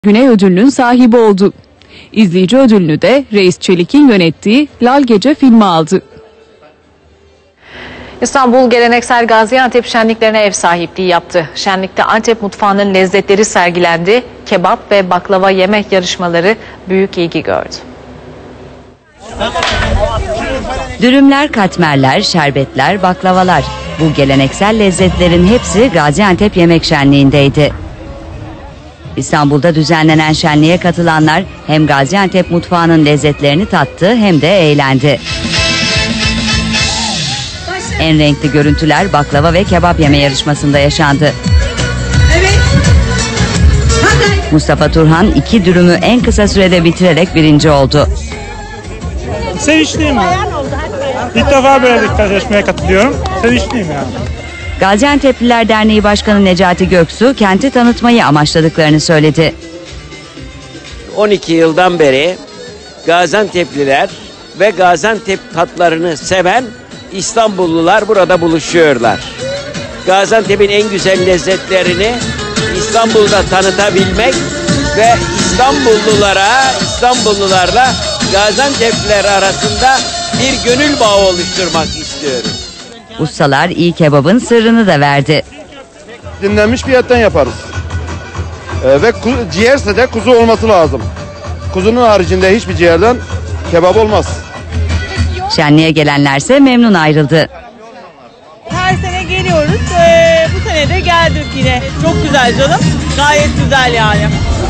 Güney ödülünün sahibi oldu. İzleyici ödülünü de Reis Çelik'in yönettiği Lal Gece filmi aldı. İstanbul geleneksel Gaziantep şenliklerine ev sahipliği yaptı. Şenlikte Antep mutfağının lezzetleri sergilendi. Kebap ve baklava yemek yarışmaları büyük ilgi gördü. Dürümler, katmerler, şerbetler, baklavalar. Bu geleneksel lezzetlerin hepsi Gaziantep Yemek Şenliği'ndeydi. İstanbul'da düzenlenen şenliğe katılanlar hem Gaziantep mutfağının lezzetlerini tattı hem de eğlendi. En renkli görüntüler baklava ve kebap yeme yarışmasında yaşandı. Mustafa Turhan 2 dürümü en kısa sürede bitirerek birinci oldu. Sevinçliyim ben. İlk defa böyle bir yarışmaya katılıyorum. Sevinçliyim yani. Gaziantep'liler Derneği Başkanı Necati Göksu kenti tanıtmayı amaçladıklarını söyledi. 12 yıldan beri Gaziantep'liler ve Gaziantep tatlarını seven İstanbullular burada buluşuyorlar. Gaziantep'in en güzel lezzetlerini İstanbul'da tanıtabilmek ve İstanbullularla Gaziantep'liler arasında bir gönül bağı oluşturmak istiyoruz. Ustalar iyi kebabın sırrını da verdi. Dinlenmiş bir etten yaparız. Ve ciğerse de kuzu olması lazım. Kuzunun haricinde hiçbir ciğerden kebap olmaz. Şenliğe gelenlerse memnun ayrıldı. Her sene geliyoruz. Bu sene de geldik yine. Çok güzel canım. Gayet güzel yani.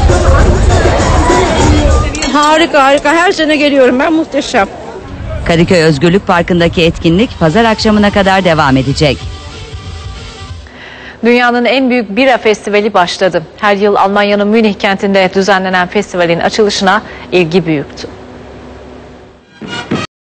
Harika harika. Her sene geliyorum ben. Muhteşem. Kadıköy Özgürlük Parkı'ndaki etkinlik pazar akşamına kadar devam edecek. Dünyanın en büyük bira festivali başladı. Her yıl Almanya'nın Münih kentinde düzenlenen festivalin açılışına ilgi büyüktü.